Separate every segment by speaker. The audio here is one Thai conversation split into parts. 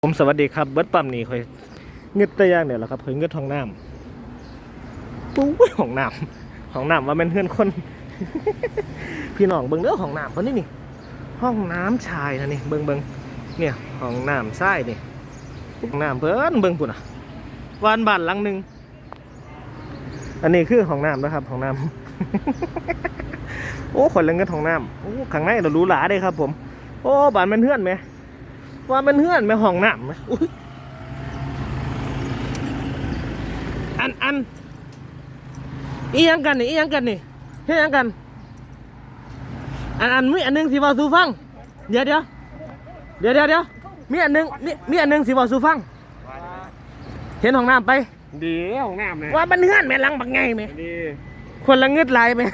Speaker 1: ผมสวัสดีครับเบิร์ดปั๊มนี่ค่อยเงืดตะย่างเนี่ยแหละครับค่อยเงืดห้องน้ำปุ้ยห้องน้ำว่าเป็นเพื่อนคน พี่น้องเบิ่งเด้อห้องน้ำคนนี้นี่ห้องน้ำชายนะนี่เบิ่งเนี่ยห้องน้ำชายนี่ห้องน้ำเพิ่นเบิ่งปุ่นอ่ะวานบ้านหลังหนึ่งอันนี้คือห้องน้ำนะครับห้องน้ำ โอ้คนละเงืดห้องน้ำโอ้ข้างในเราหรูหราเลยครับผมโอ้บ้านเป็นเพื่อนไหมว่าเป็นเพื่อนไหมห้องน้ำไหมอันอียังกันนี่เฮ็ดยังกันมีอันนึงสิบอกสู่ฟังเดี๋ยวมีอันนึงสิบอกสู่ฟังเห็นห้องน้ำไป
Speaker 2: ดีของน้ำเนี่ย
Speaker 1: ว่ามันเฮือนแม่ลังบักไงไหม
Speaker 2: ดี
Speaker 1: คนละเงืดลายไหม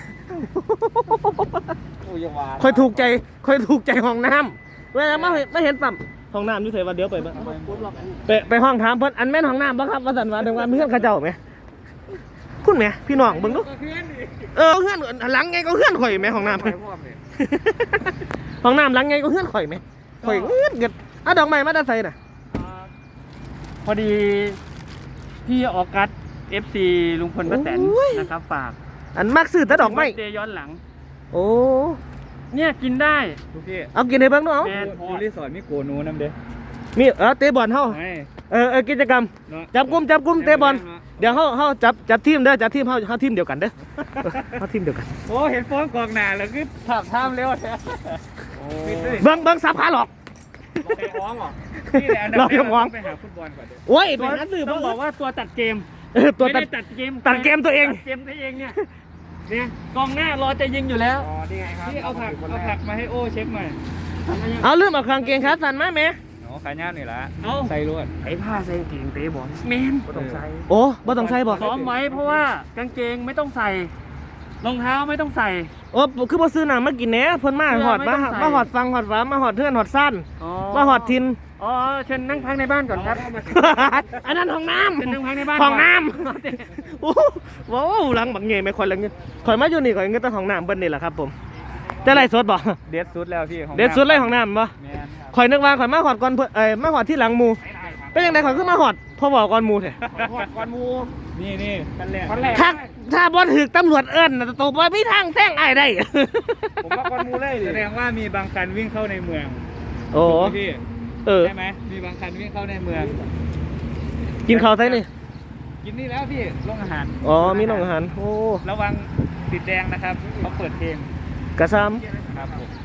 Speaker 1: คอยถูกใจห้องน้ำเวลาไม่เห็นปั๊มห้องน้ำอยู่เถอะว่าเดี๋ยวไปห้องถามเพิ่นอันแม่นห้องน้ำบ่ครับว่าสันว่าถึงว่าเพื่อนเขาเจ้าไหมคุณแม่พี่น้องเบิ่งดูเฮือนหลังไงก็เฮือนข่อยไหมห้องน้ำห้องน้ำหลังไงก็เฮือนข่อยไหมข่อยเกิดดอกไม้มาได้ใส่น่ะ
Speaker 2: พอดีพี่ออกัส FC ลุงพลป้าแตนนะครับฝาก
Speaker 1: อันมักซื้อแต่ดอกไม้
Speaker 2: เดย้อนหลัง
Speaker 1: โอ้
Speaker 2: เนี่ยกินได้
Speaker 1: เอากินให้เบิ่งดูเอา
Speaker 2: ดูรีสอร์ทมีโกนูน้ำเด้
Speaker 1: มีเตะบอลเฮากิจกรรมจับกุมเตะบอลเดี๋ยวเฮาจับทีมเด้อจับทีมเฮาทีมเดียวกันเด้อเฮาทีมเดียวกัน
Speaker 2: โอ้เห็นโฟนกองหน้าแล้วคือถับท่ามเร็วแท้
Speaker 1: เบิ่งสับขาหลอก
Speaker 2: ไปฟ้องหรอพี่แหละเราไปหาฟุตบอลก่อนเด้อ
Speaker 1: โอ้ยเป็นนักสืบ
Speaker 2: ต้องบอกว่าตัวตัดเกม
Speaker 1: ตัวตัดเกมตัวเอง
Speaker 2: เนี่ยกองหน้ารอจะยิงอยู่แล้วอ๋อนี่ไงครับที่เอาผักมาให้โอ้เช็คหน่อย
Speaker 1: เอาลืมเอากางเกงขาสั้นมาแม่
Speaker 2: ขายย่านนี่ละใส่รวดไอ้ผ้าใส่กางเกงเตะบอลเมนบ่ต้องใส่
Speaker 1: โอ้บ่ต้องใส่บ่
Speaker 2: ซ้อมไว้เพราะว่ากางเกงไม่ต้องใส่รองเท้าไม่ต้องใส่
Speaker 1: โอ้คือบ่ซื้อหนังมากินแหน่เพิ่นมาหอดมาหอดฟังหอดฟ้ามาหอดเทือนหอดสั้นมาหอดทิน
Speaker 2: อ๋อเชิญนั่งพักในบ้านก่อนครับ
Speaker 1: อันนั้นห้องน้ำ
Speaker 2: เชิญนั่งพักในบ้าน
Speaker 1: ห้องน้ำโอ้ว้าวหลังบักเงยไม่ค่อยละเงินข่อยมาอยู่นี่ข่อยเงินแต่ห้องน้ำเบิ่นนี่แหละครับผมจะไล่สดบ่
Speaker 2: เด็ดสุดแล้วพี่
Speaker 1: เด็ดสุดเลยห้องน้ำบ่ข่อยนึกว่าข่อยมาหอดก่อนมาหอดที่หลังหมู่เป็นยังไงข่อยขึ้นมาหอดพอบอกก่อนหมู่แท้
Speaker 2: ก่อนหมู่นี่กันแรก
Speaker 1: ถ้าบ่ถึกตำรวจเอิ้นตกไปมีทางแซงอ้ายได้
Speaker 2: ผมว่าก่อนหมู่เลยแสดงว่ามีบางคันวิ่งเข้าในเมือง
Speaker 1: โอ้
Speaker 2: พี่ใช่ไหมมีบางคันวิ่งเข้าในเมือง
Speaker 1: กินข้าวไทยนี่
Speaker 2: กินนี่แล้วพี่โรงอาหาร
Speaker 1: อ๋อมีโรงอาหารโอ้
Speaker 2: ระวังติดแดงนะครับเขาเปิดเพลง
Speaker 1: กระซ้
Speaker 2: ำครับผม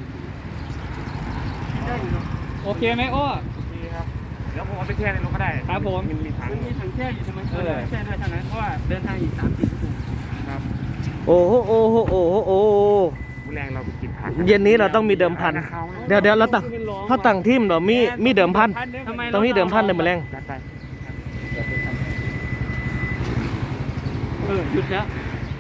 Speaker 2: โอเคไหมโอ้โอเคครับเดี๋ยวผมเอาไปแช่ในรถก็ได้ครับผมมีถังแช่อยู่ใช่ไหมแช่ได้เท่านั้นเพราะว่าเดินทางอีก3-4 ชั่วโมงครับ
Speaker 1: โอ้โห
Speaker 2: แรงเรากินผัก
Speaker 1: เย็นนี้เราต้องมีเดิมพันเดี๋ยวเราตั้งทีมเรามีเดิมพันต้องมีเดิมพันเดิมแรง
Speaker 2: หยุดแล้ว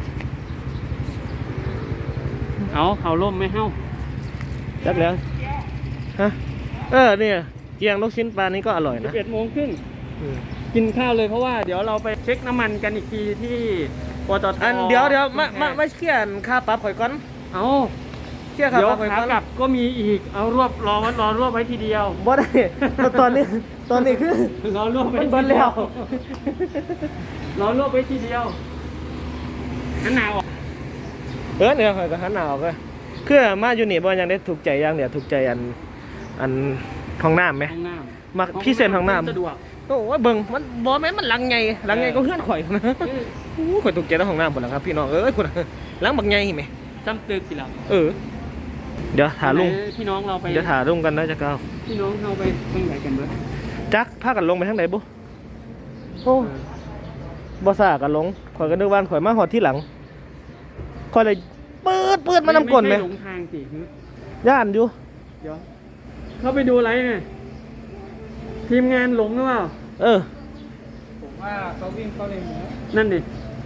Speaker 2: เขาล่มไม่เฮ้า
Speaker 1: จับแล้วฮะเนี่ยเกียงลูกชิ้นปลานี้ก็อร่อยนะ
Speaker 2: 11 โมงครึ่งกินข้าวเลยเพราะว่าเดี๋ยวเราไปเช็คน้ำมันกันอีกทีที่ปตท.
Speaker 1: เดี๋ยวไม่เคลียร์ค่าปรับข่อยก่อนเคลียร์ค่าปรับข่อยก่อน
Speaker 2: กลับก็มีอีกเอารวบไว้ทีเดียว
Speaker 1: บ่ได้ตอนนี้คือ
Speaker 2: รอรวบไว้
Speaker 1: ทีเดียว
Speaker 2: รอรวบไว้ทีเดียวหันหนาว
Speaker 1: เนี่ยข่อยก็หันหนาวเลยคือมาอยู่นี่บ่ยังได้ถูกใจอย่างเดียวถูกใจอันห้องน้ำไหมมาพี่เซนห้องน้ำ
Speaker 2: สะดวก
Speaker 1: โอ้ยเบิ่งมันบ่แม่นมันหลังไงก็เฮือนข่อยนะข่อยถูกใจในห้องน้ำหมดแล้วครับพี่น้องคุณหลังบักไงไหม
Speaker 2: จำตึกกี่หลัง
Speaker 1: เดี๋ยวถาลุง
Speaker 2: พี่น้องเราไป
Speaker 1: เดี๋ยวถาลุงกันนะจะก้าว
Speaker 2: พี่น้องเราไปทางไหนกันเบ้อ
Speaker 1: จักพากันลงไปทางไหนบุโอ้บ่ซ่ากันลงข่อยก็นึกว่าข่อยมาหอดที่หลังข่อยเลยปืดมานำก้นไหม
Speaker 2: หลงทางสิ
Speaker 1: ย่านอยู่
Speaker 2: เดี๋ยวเข้าไปดูอะไรเนี่ยทีมงานหลงหรือเปล่าผมว่าเขาวิ่งเข้าในเมืองนั่นดิ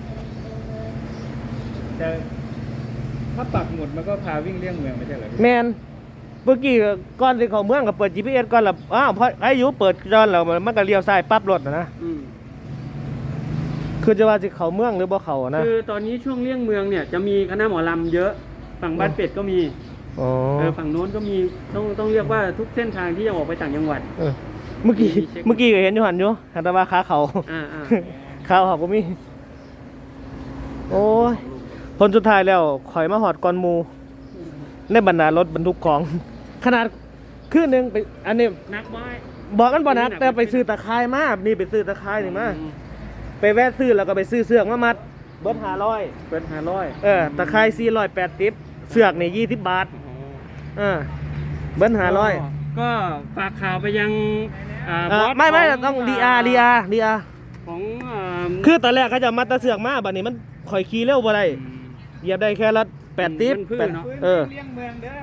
Speaker 2: แต่ถ้าปักหมุดมันก็พาวิ่งเลี่ยงเมืองไม่ใช่เหรอ
Speaker 1: แมนเมื่อกี้ก่อนที่เขาเมืองก็เปิด GPS ก่อนแล้วเพราะอายุเปิดจอนแล้วมันก็เลี้ยวซ้ายปั๊บรถนะคือจะว่าสิเขาเมืองหรือบ่เขานะ
Speaker 2: คือตอนนี้ช่วงเลี่ยงเมืองเนี่ยจะมีคณะหมอลำเยอะฝั่งบ้านเป็ดก็มีฝั่งโน้นก็มีต้องเรียกว่าทุกเส้นทางที่จะออกไปต่างจังหวัด
Speaker 1: เมื่อกี้ก็เห็นอยู่หันอยู่หันแต่ว่าขาเขา
Speaker 2: อ่า
Speaker 1: ขาเขาก็มีโอ้ยผลสุดท้ายแล้วข่อยมาหอดก่อนหมูในบรรดารถบรรทุกของขนาดคืนหนึงไปอันนี้
Speaker 2: นักไว้
Speaker 1: บอกกันบ่นักแต่ไปซื้อตะไคร้มานี่ไปซื้อตะไคร้นี่มาไปแวะซื้อแล้วก็ไปซื้อเสือกมามัดเบิด500
Speaker 2: เปิด500
Speaker 1: ตะไคร้480เสือกนี่20 บาทเบิด500
Speaker 2: ก็ฝากข่าวไปยัง
Speaker 1: ไม่
Speaker 2: ของ
Speaker 1: ต้องดีอาร์
Speaker 2: ของ
Speaker 1: คือตอนแรกเขาจะมัดตะเสือกมาบัดนี้มันข่อยขี่เร็วบ่ได้เหยียบได้แค่ละ8ติ๊บ
Speaker 2: มันพื้นเนาะ
Speaker 1: เออ
Speaker 3: เลี้ยงเมืองเด้อ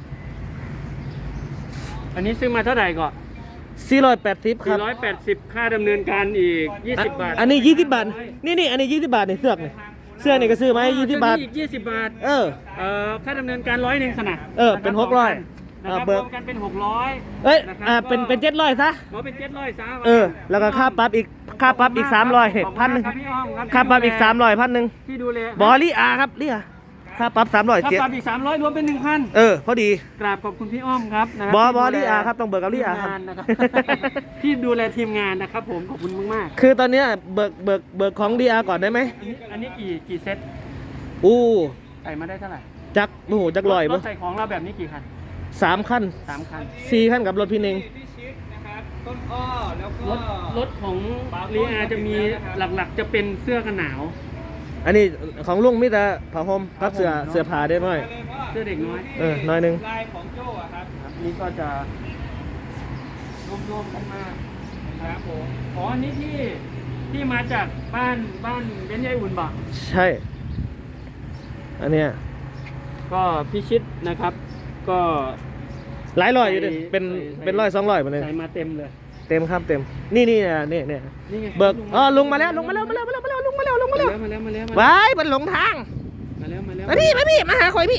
Speaker 2: อันนี้ซื้อมาเท่าไหร่ก่อน
Speaker 1: 480ครับ
Speaker 2: 480ค่าดำเนินการอีก20 บาท
Speaker 1: อันนี้20 บาทนี่อันนี้20 บาทนี่เสือกนี่เสื้อนี่ก็ซื้อมาให้20 บาท
Speaker 2: อีก20 บาท
Speaker 1: เออ
Speaker 2: ค่าดำเนินการ100สนะ
Speaker 1: เป็น
Speaker 2: นะครับ
Speaker 1: 600
Speaker 2: นะครับ
Speaker 1: เบิ
Speaker 2: ร
Speaker 1: ก
Speaker 2: วมกันเป็น600
Speaker 1: เอ้ย
Speaker 2: นะครับ
Speaker 1: เป็น700ซะ
Speaker 2: อ๋อเป็น700ซะ
Speaker 1: แล้วก็ค่าปรับอีก300 1,000
Speaker 2: ขอบคุณมากครับพี่อ้อมครับ
Speaker 1: ค่าปรับอีก300 1,000
Speaker 2: ที่ดูแล
Speaker 1: บอลีอาครับลีอาค่าปรับ300
Speaker 2: ค่า
Speaker 1: เจ็ด
Speaker 2: ปรับอีก300รวมเป็น 1,000
Speaker 1: พอดี
Speaker 2: กราบขอบคุณพี่อ้อมครับนะ
Speaker 1: บอ
Speaker 2: ที่ดูแล
Speaker 1: ลีอาครับต้องเบิกกับลีอาครับ
Speaker 2: ทีมงนนะครับ ที่ดูแลทีมงานนะครับผมขอบคุณมาก
Speaker 1: คือตอนเนี้ยเบิกของดีอาก่อนได้ไหม
Speaker 2: ๆอันนี้กี่เซต
Speaker 1: อู้
Speaker 2: ใส่มาได้เท่าไหร่
Speaker 1: จักโอ้โหจักลอย
Speaker 2: ร
Speaker 1: บ่
Speaker 2: ถใส่ของเราแบบนี้กี่คัน
Speaker 1: 3 คัน
Speaker 2: 3 คัน
Speaker 1: 4 คันกับรถพี่เน่ง
Speaker 3: พี่ชิดนะครับ ต้นอ้อ แล้วก็
Speaker 2: รถของลีอาจะมีหลักๆจะเป็นเสื้อกันหนาว
Speaker 1: อันนี้ของลุงมีแต่ผ้าห่มกับเสื้อผ้าได้หน่อย
Speaker 3: มาเลยพ่อ
Speaker 2: เสื้อเด็กน้อย
Speaker 1: น้อยหนึง
Speaker 3: ลายของโจ้อะครับ
Speaker 2: ครับนี่ก็จะรวมๆกันมาครับผมอ๋ออันนี้ที่มาจากบ้านเบนซ์ยายอุ่นบ่
Speaker 1: ใช่ อันเนี้ย
Speaker 2: ก็พิชิตนะครับ ก็
Speaker 1: หลายร้อยอยู่ดิ
Speaker 2: ใส่
Speaker 1: เป็น
Speaker 2: ใส่
Speaker 1: เป็นร้อย200มาเลย
Speaker 2: ใส่มาเต็มเลย
Speaker 1: เต็มครับเต็มนี่เนี่ย
Speaker 2: นี่ไง
Speaker 1: เบิกลุงมาแล้วลุงมาแล้วมาแล้ว
Speaker 2: มาแล้ว
Speaker 1: ว้ายมันหลงทาง
Speaker 2: มาแล้ว
Speaker 1: มาพี่มาหาคอยพี่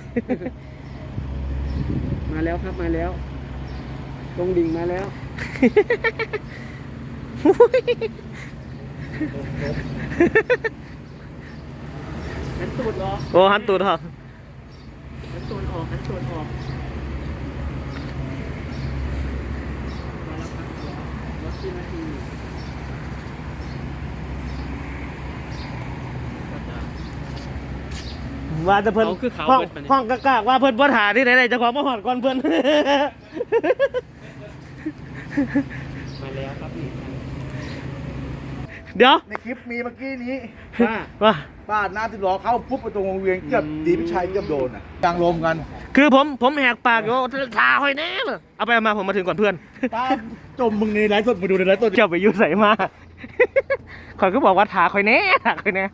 Speaker 2: มาแล้วครับมาแล้วลงดิ่งมาแล้วหันตูดออก
Speaker 1: โอ้หันตูดเหรอ
Speaker 2: หันตูดออกมาแล้วครับรถที่นาที
Speaker 1: ว่าจะเพิ่น
Speaker 2: เขาคือเขา
Speaker 1: ห้อง
Speaker 2: เบิดมาเนี่ย
Speaker 1: ห้องกากๆว่าเพิ่นบ่ถ่าที่ไหนๆเจะของมาหอดก่อนเพิ่น
Speaker 2: มาแล้วครับนี่
Speaker 1: เดี๋ยว
Speaker 4: ในคลิปมีเมื่อกี้นี้
Speaker 2: ว่า
Speaker 1: ว่า
Speaker 4: ป้าหน้าที่ล้อเข้าปุ๊บไปตรงวงเวียนเกือบดีพิชัยเกือบโดนอ่ะกลางลมกัน
Speaker 1: คือผมแหกปากอยู่ถ่าคอยแน่เลยเอาไปเอามาผมมาถึงก่อนเพื่อน
Speaker 4: ป้าจมมึงในไลฟ์สดมาดูในไลฟ์สด
Speaker 1: เจ้าไปยุ่ใส่มา ขอยก็บอกว่าถ่าคอยแน่ถ่าคอยแน่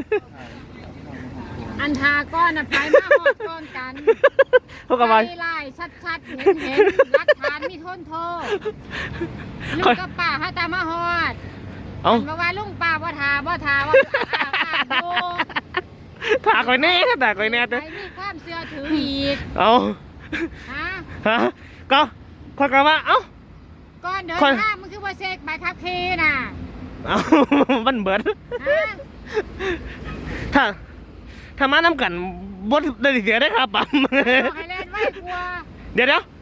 Speaker 5: อันทาก้อนนะไปมาหอดก้อนกัน
Speaker 1: พวกกับว่า
Speaker 5: ไล่ชัดๆเห็นรักฐานมีทนโทษลุงกับป้าให้ตามมาหอด
Speaker 1: เอ้า
Speaker 5: บอกว่าลุงป้าบ่ทาว่าดู
Speaker 1: ถ่าคอยแน่ถ่าคอยแน่
Speaker 5: ใครมีความเชื่อถืออีก
Speaker 1: เอา
Speaker 5: ฮะ
Speaker 1: ฮะก็ขอยก็ว่าเอ้า
Speaker 5: ก้อนเดิน
Speaker 1: ค่อย
Speaker 5: ทางมันคือว่าเซ็กใบขับขี่น่ะ
Speaker 1: เอ้า มันเบิด
Speaker 5: ฮะ
Speaker 1: ถ้ามาน้ำกันบดได้เสียได้ครับปั๊ม
Speaker 5: บอกให้เล่นไว้กลัว
Speaker 1: เดี๋ยว